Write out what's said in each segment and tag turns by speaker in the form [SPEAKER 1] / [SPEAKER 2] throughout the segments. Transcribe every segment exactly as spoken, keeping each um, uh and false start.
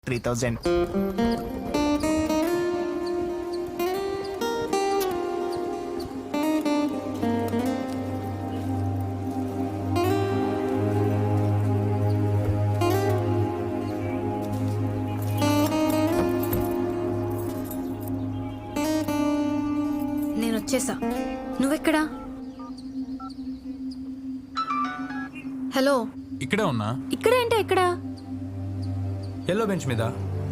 [SPEAKER 1] Three thousand.
[SPEAKER 2] నేను వచ్చేసా. నువ్వెక్కడా? Hello,
[SPEAKER 3] ఇక్కడే ఉన్నా.
[SPEAKER 2] ఇక్కడ ఏంటి? ఎక్కడా?
[SPEAKER 3] ఎల్లో బెంచ్ మీద.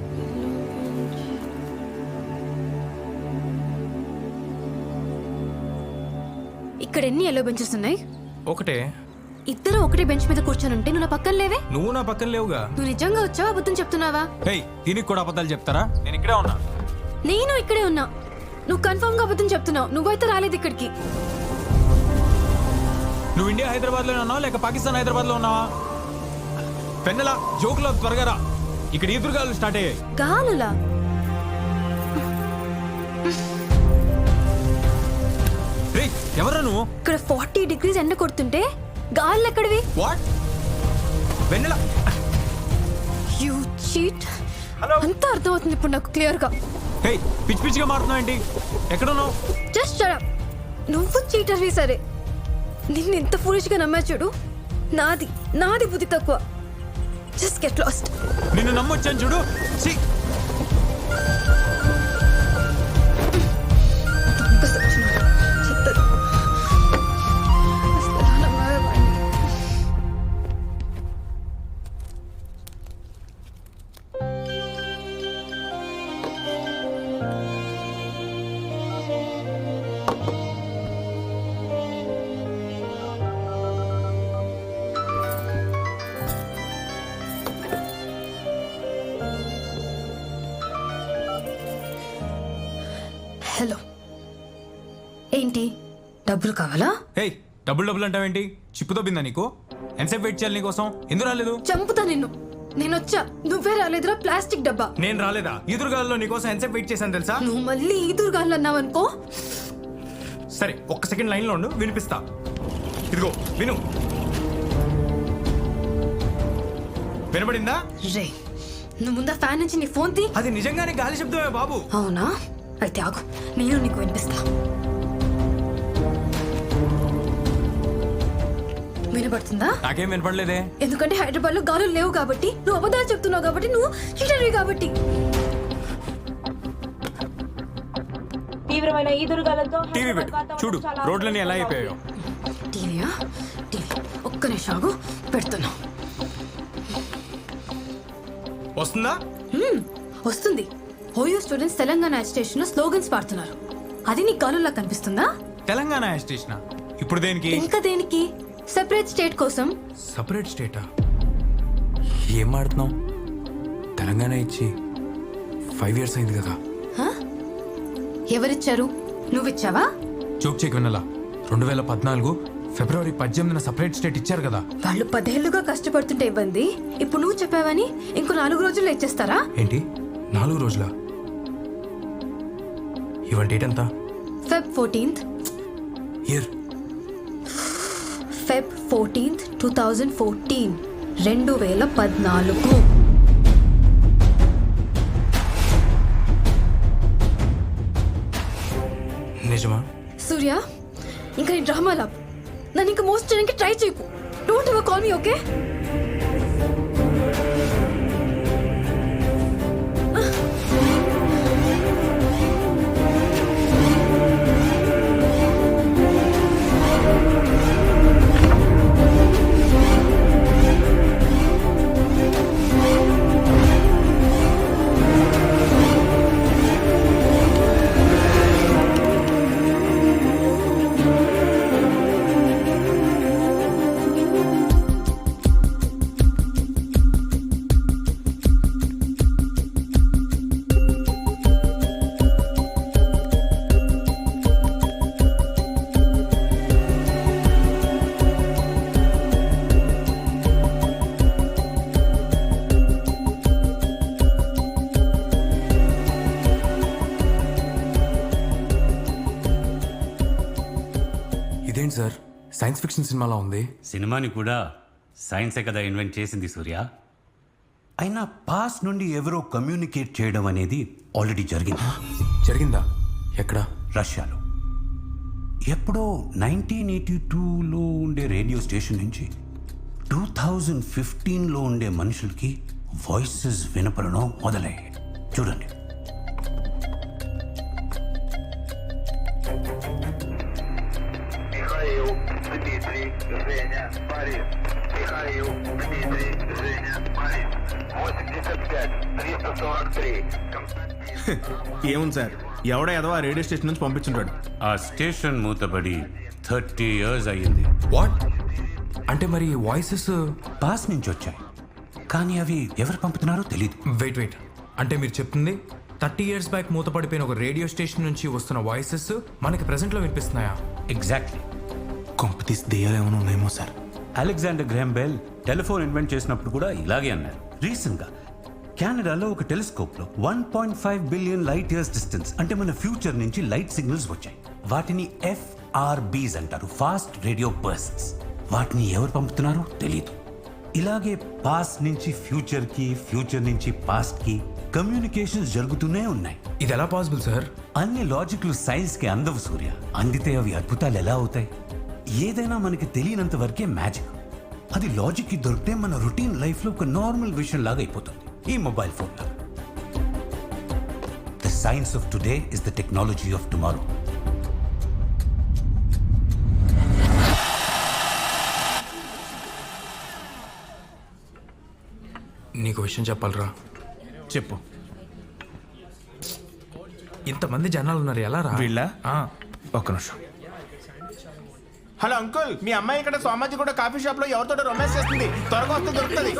[SPEAKER 2] ఇక్కడ ఎన్ని ఎల్లో బెంచెస్ ఉన్నాయి?
[SPEAKER 3] ఒకటే.
[SPEAKER 2] ఇద్దరు ఒకటే బెంచ్ మీద కూర్చొని ఉంటే నువ్వు నా పక్కన లేవే.
[SPEAKER 3] నువ్వు నా పక్కన లేవుగా.
[SPEAKER 2] నువ్వు నిజంగా వచ్చావా, అబద్ధం చెప్తున్నావా?
[SPEAKER 3] హేయ్, దీనికి కూడా అబద్ధాలు చెప్తారా? నేను ఇక్కడే ఉన్నా.
[SPEAKER 2] నేను ఇక్కడే ఉన్నా. నువ్వు కన్ఫర్మ్ గా అబద్ధం చెప్తున్నావు. నువ్వైతే రాలేదు ఇక్కడికి.
[SPEAKER 3] నువ్వు ఇండియా హైదరాబాద్ లో ఉన్నావా లేక పాకిస్తాన్ హైదరాబాద్ లో ఉన్నావా? పెన్నెల జోకులో త్వరగా రా. ఇక్కడ ఈదురుగాలు స్టార్ట్ అయ్యాయి.
[SPEAKER 2] గాలులా?
[SPEAKER 3] రేయ్, ఎవరా నువ్వు?
[SPEAKER 2] ఇక్కడ ఫార్టీ డిగ్రీస్ ఎండ కొడుతుంటే గాలు ఎక్కడివి?
[SPEAKER 3] What? Vennela,
[SPEAKER 2] you cheat.
[SPEAKER 3] Hello.
[SPEAKER 2] అంతా అర్థమవుతుంది ఇప్పుడు నాకు క్లియర్ గా.
[SPEAKER 3] హే, పిచ్చి పిచ్చిగా మారుతున్నావు ఏంటి? ఎక్కడున్నావు?
[SPEAKER 2] Just shut up. నువ్వు చీటర్వి సరే. నిన్ను ఎంత ఫూలిష్ గా నమ్మా చూడు. నాది నాది బుద్ధి తక్కువ. Just get lost.
[SPEAKER 3] నిన్ను నమ్మొచ్చాను చూడు. ఛీ.
[SPEAKER 2] దొంగ సచ్చినోడు. చెత్తది. అసలు ఎలా నమ్మావే వాడిని? హలో, ఏంటి? డబ్బులు కావాలా?
[SPEAKER 3] హే, డబుల్ డబుల్ అంటావేంటి? చిప్పుతో బిందా నీకు? ఎంతసేపు వెయిట్ చేయాలి నీకోసం? ఎందుకు రాలేదు?
[SPEAKER 2] చంపుతా నిన్ను. నేను వచ్చా, నువ్వే రాలేదురా ప్లాస్టిక్ డబ్బా.
[SPEAKER 3] నేను రాలేదా? ఈదురుగాల్లో నీకోసం ఎంతసేపు వెయిట్ చేశాను తెలుసా?
[SPEAKER 2] నువ్వు మళ్ళీ ఈదురుగాలు అన్నావనుకో.
[SPEAKER 3] సరే, ఒక్క సెకండ్ లైన్ లో ఉండు, వినిపిస్తా. ఇదిగో విను. వినబడిందా?
[SPEAKER 2] రే, నువ్వు ముందా ఫ్యాన్ నుంచి నీ ఫోన్ తీ.
[SPEAKER 3] అది నిజంగానే గాలి శబ్దమే బాబు.
[SPEAKER 2] అవునా? అయితే ఆగు, నేను నీకు వినిపిస్తా. వినపడుతుందా?
[SPEAKER 3] నాకేం వినపడలేదే.
[SPEAKER 2] ఎందుకంటే హైదరాబాద్ లో గాలులు లేవు కాబట్టి, నువ్వు అబద్ధాలు చెప్తున్నావు కాబట్టి, నువ్వు చీటర్వి కాబట్టి.
[SPEAKER 4] తీవ్రమైన ఈదురుగాలతో
[SPEAKER 3] టీవీ పెట్టు, చూడు రోడ్లన్నీ ఎలా అయిపోయాయో.
[SPEAKER 2] టీవీయా? టీవీ ఒక్క నిమిషం ఆగు, పెడుతున్నా.
[SPEAKER 3] వస్తుందా?
[SPEAKER 2] హ్మ్, వస్తుంది. ఓయో స్టూడెంట్స్ తెలంగాణ స్టేషన్ లో స్లోగన్స్ పాడుతున్నారు. అది నీకు గాలులా కనిపిస్తుందా?
[SPEAKER 3] తెలంగాణ స్టేషన్ ఇప్పుడు దేనికి?
[SPEAKER 2] ఇంకా దేనికి? సెపరేట్ స్టేట్ కోసం.
[SPEAKER 3] సపరేట్ స్టేటా? ఏం మాడుతున్నావు? తెలంగాణ ఇచ్చి ఫైవ్ ఇయర్స్ అయింది కదా.
[SPEAKER 2] హ? ఎవరిచ్చారు? నువ్విచ్చావా?
[SPEAKER 3] జోక్ చెక్ వినలా. రెండు వేల పద్నాలుగు ఫిబ్రవరి పద్దెనిమిదిన సపరేట్ స్టేట్ ఇచ్చారు కదా.
[SPEAKER 2] వాళ్ళు పదేళ్లుగా కష్టపడుతుంటే ఇవ్వండి. ఇప్పుడు నువ్వు చెప్పావని ఇంకో నాలుగు రోజుల్లో ఇచ్చేస్తారా?
[SPEAKER 3] ఏంటి, నాలుగు రోజుల? ఇవాళ డేట్ ఎంత?
[SPEAKER 2] Feb fourteenth.
[SPEAKER 3] Year?
[SPEAKER 2] Feb fourteenth two thousand fourteen రెండు వేల పద్నాలుగు.
[SPEAKER 3] నిజమా?
[SPEAKER 2] సూర్య, ఇంకా ఈ డ్రామా లాప్ నన్ను ఇంకా మోస్ట్ చేయడానికి ట్రై చేయకు. Don't ever call me, okay?
[SPEAKER 3] ఇదేంటి సార్, సైన్స్ ఫిక్షన్ సినిమాలా ఉంది.
[SPEAKER 5] సినిమాని కూడా సైన్సే కదా ఇన్వెంట్ చేసింది సూర్య.
[SPEAKER 1] అయినా పాస్ నుండి ఎవరో కమ్యూనికేట్ చేయడం అనేది ఆల్రెడీ జరిగింది.
[SPEAKER 4] జరిగిందా? ఎక్కడ?
[SPEAKER 1] రష్యాలో. ఎప్పుడో నైన్టీన్ ఎయిటీ టూలో ఉండే రేడియో స్టేషన్ నుంచి టూ థౌజండ్ ఫిఫ్టీన్లో ఉండే మనుషులకి వాయిసెస్ వినపడడం మొదలయ్యాయి. చూడండి.
[SPEAKER 5] Михаил, Дмитрий, Женя, Борис. Михаил, Дмитрий, Женя, Борис. восемьдесят пять, триста сорок три. Константин.
[SPEAKER 6] ఏముంది సార్, ఎవడో ఏదో ఆ రేడియో స్టేషన్ నుంచి పంపించుంటాడు.
[SPEAKER 1] ఆ స్టేషన్ మూతబడి థర్టీ ఇయర్స్ అయ్యింది.
[SPEAKER 4] వాట్? అంటే మరి వాయిసెస్?
[SPEAKER 1] పాస్ నుంచి వచ్చాయి, కానీ అవి ఎవరు పంపుతున్నారో తెలియదు.
[SPEAKER 4] వెయిట్ వెయిట్ అంటే మీరు చెప్తుంది థర్టీ ఇయర్స్ బ్యాక్ మూతపడిపోయిన ఒక రేడియో స్టేషన్ నుంచి వస్తున్న వాయిసెస్ మనకి ప్రెసెంట్లో వినిపిస్తున్నాయా?
[SPEAKER 1] ఎగ్జాక్ట్లీ.
[SPEAKER 6] కొంపతీసి దెయ్యాలు ఏమైనా ఉన్నాయేమో sir.
[SPEAKER 1] Alexander Graham Bell telephone invent చేసినప్పుడు కూడా ఇలాగే అన్నారు. రీసెంట్ గా కెనడాలో ఒక టెలిస్కోప్ లో one point five billion light years distance అంటే మన ఫ్యూచర్ నుంచి లైట్ సిగ్నల్స్ వచ్చాయి. వాటిని ఎఫ్ఆర్బీస్ అంటారు, ఫాస్ట్ రేడియో బర్స్ట్స్. వాటిని ఎవరు పంపుతున్నారో తెలీదు. ఇలాగే పాస్ట్ నుంచి ఫ్యూచర్ కి, ఫ్యూచర్ నుంచి పాస్ట్ కి కమ్యూనికేషన్స్ జరుగుతూనే ఉన్నాయి.
[SPEAKER 4] ఇది ఎలా పాసిబుల్ సార్?
[SPEAKER 1] అన్ని లాజిక్లు సైన్స్ కి అందవు సూర్య. అందితే అవి అద్భుతాలు ఎలా అవుతాయి? ఏదైనా మనకి తెలియనంత వరకే మ్యాజిక్. అది లాజిక్ కి దొరికితే మన రొటీన్ లైఫ్ లో ఒక నార్మల్ విషయం లాగా అయిపోతుంది. ఈ మొబైల్ ఫోన్ లాగా. The science of today is the technology of tomorrow.
[SPEAKER 4] నీకు విషయం చెప్పాలరా.
[SPEAKER 6] చెప్పు.
[SPEAKER 4] ఇంతమంది జనాలు ఉన్నారు, ఎలా రా?
[SPEAKER 6] వీళ్ళ
[SPEAKER 4] ఆ,
[SPEAKER 6] ఒక్క నిమిషం. హలో అంకుల్, మీ అమ్మాయి ఇక్కడ సోమాజి కూడా కాఫీ షాప్ లో ఎవరితో రొమాన్స్ చేస్తుంది. త్వరగా వస్తే దొరుకుతుంది.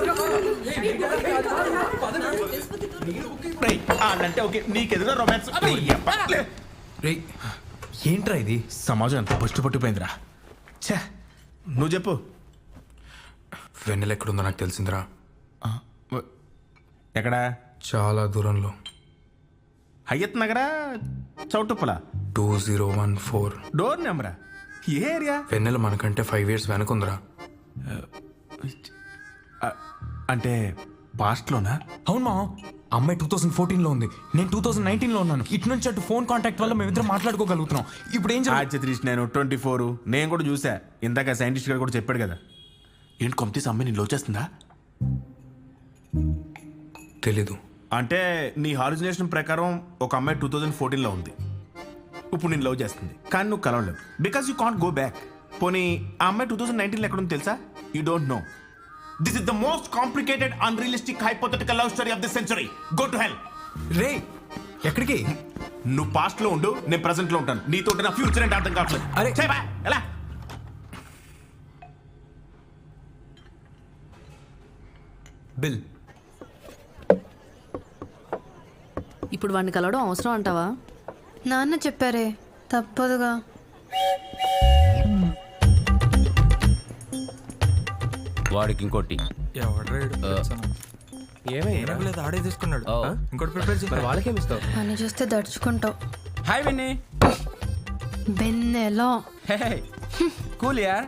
[SPEAKER 6] రేయ్, అంటే ఓకే, నీకెదురుగా రొమాన్స్.
[SPEAKER 4] రేయ్, ఏంట్రా ఇది?
[SPEAKER 6] సమాజం అంతా పట్టు పట్టిపోయిందిరా. ఛే, నువ్వు చెప్పు.
[SPEAKER 4] వెన్నెల ఎక్కడుందో నాకు తెలిసిందిరా.
[SPEAKER 6] ఎక్కడా?
[SPEAKER 4] చాలా దూరంలో.
[SPEAKER 6] హయ్యత్ నగరా, చౌటుప్పల?
[SPEAKER 4] Two zero one four.
[SPEAKER 6] Door నెంబరా? ఏ ఏరియా?
[SPEAKER 4] వెన్నెల మనకంటే ఫైవ్ ఇయర్స్ వెనకుందిరా.
[SPEAKER 6] అంటే పాస్ట్లోనా?
[SPEAKER 4] అవును మా అమ్మాయి టూ థౌసండ్ ఫోర్టీన్ లో ఉంది, నేను టూ థౌసండ్ నైన్టీన్ లో ఉన్నాను. ఇటు నుంచి అటు ఫోన్ కాంటాక్ట్ వల్ల మేమిద్దరం మాట్లాడుకోగలుగుతున్నాం. ఇప్పుడు ఏం జరుగుతుంది?
[SPEAKER 6] ఆచత్రీష్ నేను ట్వంటీ ఫోర్ నేను కూడా చూసా. ఇందాక సైంటిస్ట్ గారు కూడా చెప్పాడు కదా. ఏంటి కొంపతీసి అమ్మాయి నేను లవ్ చేస్తుందా?
[SPEAKER 4] తెలీదు.
[SPEAKER 6] అంటే నీ హాలుజినేషన్ ప్రకారం ఒక అమ్మాయి టూ థౌజండ్ ఫోర్టీన్లో ఉంది, ఇప్పుడు నేను లవ్ చేస్తుంది, కానీ నువ్వు కలవలేవు because you can't go back. పోనీ ఆ అమ్మాయి టూ థౌసండ్ నైన్టీన్లో ఎక్కడ ఉంది తెలుసా? You don't know. This is the most complicated unrealistic hypothetical love story of the century. Go to hell.
[SPEAKER 4] రే, ఎక్కడికి?
[SPEAKER 6] నువ్వు పాస్ట్ లో ఉండు, నేను ప్రెసెంట్ లో ఉంటాను. నీతో నా ఫ్యూచర్ అంటే అర్థం కావట్లేదు.
[SPEAKER 4] అరే.
[SPEAKER 6] ఛే, బా, ఎలా?
[SPEAKER 4] బిల్.
[SPEAKER 7] ఇప్పుడు వాడిని కలవడం అవసరం అంటావా?
[SPEAKER 2] నాన్న చెప్పారే, తప్పదుగా.
[SPEAKER 8] వాడికి ఇంకోటి
[SPEAKER 4] ఆడే తీసుకున్నాడు. ఇంకోటి ప్రిపేర్ చేసి
[SPEAKER 8] వాళ్ళకేమి ఇస్తావు?
[SPEAKER 2] అని చూస్తే దడుచుకుంటావు.
[SPEAKER 8] Hi Vinny.
[SPEAKER 2] బెన్నెలో
[SPEAKER 8] కూల్ యార్.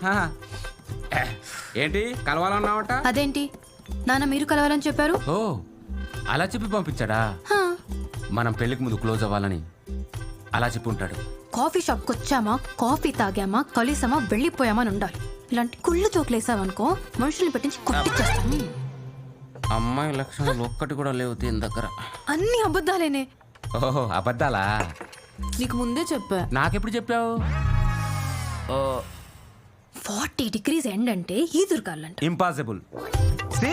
[SPEAKER 8] ఏంటి కలవాలన్నావట?
[SPEAKER 2] అదేంటి నాన్న మీరు కలవాలని చెప్పారు?
[SPEAKER 8] ఓ అలా చెప్పి పంపించాడా?
[SPEAKER 2] హా,
[SPEAKER 8] మనం పెళ్లికి ముందు క్లోజ్ అవ్వాలని అలా చెప్పి ఉంటాడు.
[SPEAKER 2] కాఫీ షాప్కి వచ్చామా, కాఫీ తాగామా, కలిసామా, వెళ్ళిపోయామా అని ఉండాలి. ఇలాంటి కుళ్ళు చోట్లేసామనుకో మనుషుల్ని పెట్టించి కొట్టిచ్చేస్తాం.
[SPEAKER 8] అమ్మాయి లక్షణాలు ఒక్కటి కూడా లేవు దీని దగ్గర.
[SPEAKER 2] అన్ని అబద్ధాలేనే.
[SPEAKER 8] ఓహో అబద్ధాలా?
[SPEAKER 7] నీకు ముందే చెప్పా.
[SPEAKER 8] నాకెప్పుడు చెప్పావు? ఓ
[SPEAKER 2] ఫార్టీ డిగ్రీస్ ఎండ్ అంటే ఈదురుగాలంట.
[SPEAKER 8] ఇంపాసిబుల్. సి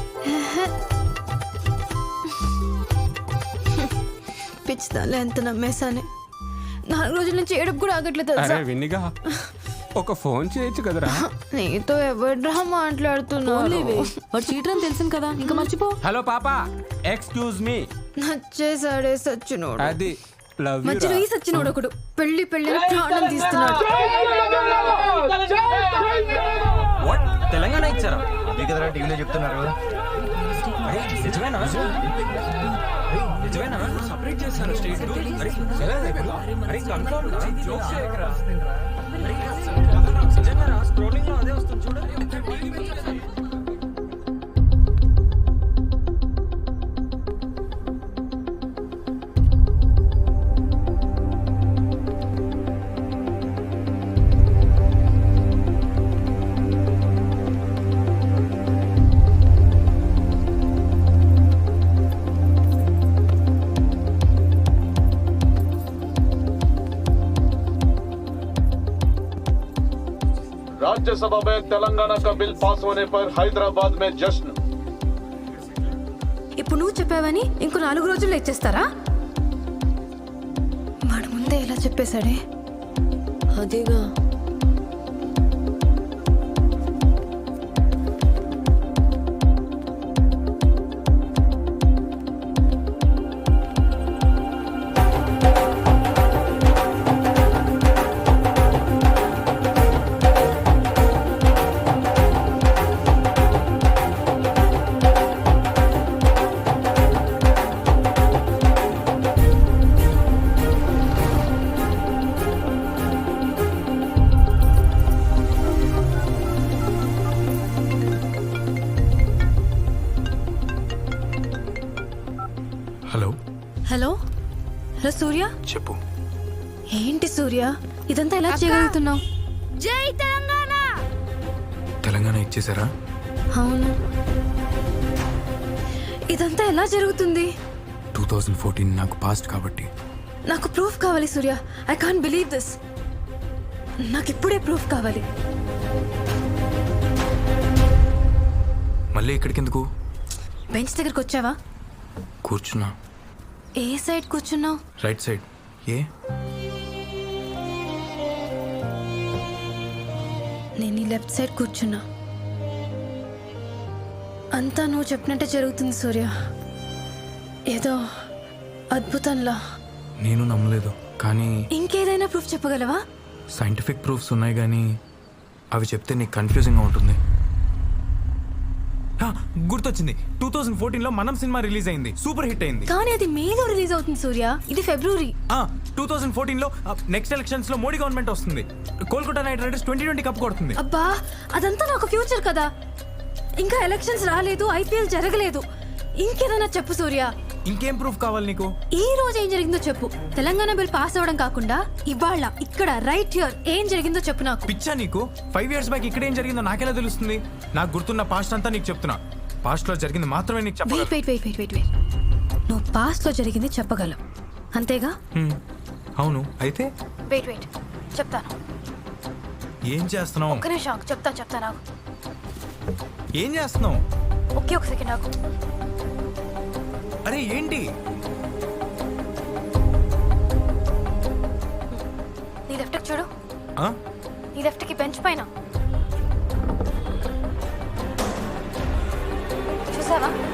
[SPEAKER 2] పిచ్చిదాలే ఎంత నమ్మేశానే. నాలుగు రోజుల నుంచి ఏడుపు కూడా ఆగట్లేదు తెలుసా?
[SPEAKER 8] అరే విన్నిగా ఒక ఫోన్ చేయొచ్చు కదరా.
[SPEAKER 2] నీతో ఎవడ్రా మాట్లాడుతున్నావు?
[SPEAKER 7] ఓన్లీవే. వాడు చీటర్ అని తెలిసింది కదా, ఇంకా మర్చిపో.
[SPEAKER 8] హలో పాపా, ఎక్స్క్యూజ్ మీ.
[SPEAKER 2] నచ్చేసాడే సచ్చినోడు.
[SPEAKER 8] అది లవ్ యు.
[SPEAKER 2] మధ్యలో ఈ సచ్చినోడు ఒకడు పెళ్లి పెళ్లి ప్రాణం తీస్తున్నాడు.
[SPEAKER 8] తెలంగాణ ఇచ్చారా?
[SPEAKER 9] టీవీలో చెప్తున్నారు.
[SPEAKER 4] సపరేట్ చేస్తాను స్టేట్.
[SPEAKER 9] राज्यसभा में तेलंगाना का बिल पास होने पर हैदराबाद में जश्न।
[SPEAKER 2] ఇప్పుడు నువ్వు చెప్పావని ఇంకో నాలుగు రోజుల్లో ఇచ్చేస్తారా? వాడు ముందే ఇలా చెప్పేశాడే.
[SPEAKER 7] అదేగా.
[SPEAKER 4] Hello
[SPEAKER 2] hello hello Surya.
[SPEAKER 4] చెప్పు.
[SPEAKER 2] ఏంటి సూర్య ఇదంతా ఎలా చేయగలుగుతున్నావు? జై తెలంగాణ.
[SPEAKER 4] తెలంగాణ ఇచ్చేసారా?
[SPEAKER 2] అవును. ఇదంతా ఎలా జరుగుతుంది?
[SPEAKER 4] టూ థౌజండ్ ఫోర్టీన్ నాకు పాస్ట్ కాబట్టి.
[SPEAKER 2] నాకు ప్రూఫ్ కావాలి Surya. I can't believe this. నాకు ఇప్పుడే ప్రూఫ్ కావాలి.
[SPEAKER 4] మళ్ళీ ఇక్కడికి ఎందుకు?
[SPEAKER 2] బెంచ్ దగ్గరకు వచ్చావా?
[SPEAKER 4] కూర్చున్నా.
[SPEAKER 2] ఏ సైడ్ కూర్చున్నావు?
[SPEAKER 4] Right side. ఏ?
[SPEAKER 2] నేను ఈ లెఫ్ట్ సైడ్ కూర్చున్నా. అంతా నువ్వు చెప్పినట్టే జరుగుతుంది సూర్య. ఏదో అద్భుతంలా.
[SPEAKER 4] నేను నమ్మలేదు, కానీ
[SPEAKER 2] ఇంకేదైనా ప్రూఫ్ చెప్పగలవా?
[SPEAKER 4] సైంటిఫిక్ ప్రూఫ్స్ ఉన్నాయి, కానీ అవి చెప్తే నీకు కన్ఫ్యూజింగ్గా ఉంటుంది. హా, గుర్తొచ్చింది. టూ థౌజండ్ ఫోర్టీన్ లో మనం సినిమా రిలీజ్ అయింది, సూపర్ హిట్ అయింది.
[SPEAKER 2] కానీ అది మేలో రిలీజ్ అవుతుంది సూర్య. ఇది ఫిబ్రవరి.
[SPEAKER 4] టూ థౌజండ్ ఫోర్టీన్ లో నెక్స్ట్ ఎలక్షన్స్ లో మోడీ గవర్నమెంట్ వస్తుంది. Kolkata Knight Riders twenty twenty cup కొడుతుంది.
[SPEAKER 2] అబ్బా అదంతా నాకు ఫ్యూచర్ కదా. ఇంకా ఎలక్షన్స్ రాలేదు, ఐపీఎల్ జరగలేదు. ఇంకేదైనా చెప్పు సూర్య.
[SPEAKER 4] ఇంకేం ప్రూఫ్ కావాలి నీకు?
[SPEAKER 2] ఈ రోజు ఏం జరిగిందో చెప్పు. తెలంగాణ బిల్ పాస్ అవ్వడం కాకుండా ఇవాళ ఇక్కడ రైట్ హియర్ ఏం జరిగిందో చెప్పు నాకు.
[SPEAKER 4] పిచ్చా నీకు? ఫైవ్ ఇయర్స్ బ్యాక్ ఇక్కడ ఏం జరిగిందో నాకెలా తెలుస్తుంది? నాకు గుర్తున్న పాస్ట్ అంతా నీకు చెప్తున్నా. పాస్ట్ లో జరిగింది మాత్రమే నీకు చెప్పగలను.
[SPEAKER 2] Wait wait wait wait wait నువ్వు పాస్ట్ లో జరిగింది చెప్పగలవు అంతేగా?
[SPEAKER 4] హ్మ్, అవును. అయితే
[SPEAKER 2] వెయిట్ వెయిట్ చెప్తాను.
[SPEAKER 4] ఏం చేస్తున్నావు?
[SPEAKER 2] ఒక్క నిమిషం చెప్తా చెప్తా నాకు.
[SPEAKER 4] ఏం చేస్తున్నావు?
[SPEAKER 2] ఒకే ఒక సెకండ్ నాకు.
[SPEAKER 4] అరే ఏంటి?
[SPEAKER 2] నీ లెఫ్ట్ చూడు.
[SPEAKER 4] ఆ?
[SPEAKER 2] నీ లెఫ్ట్ కి బెంచ్ పైన చూసావా?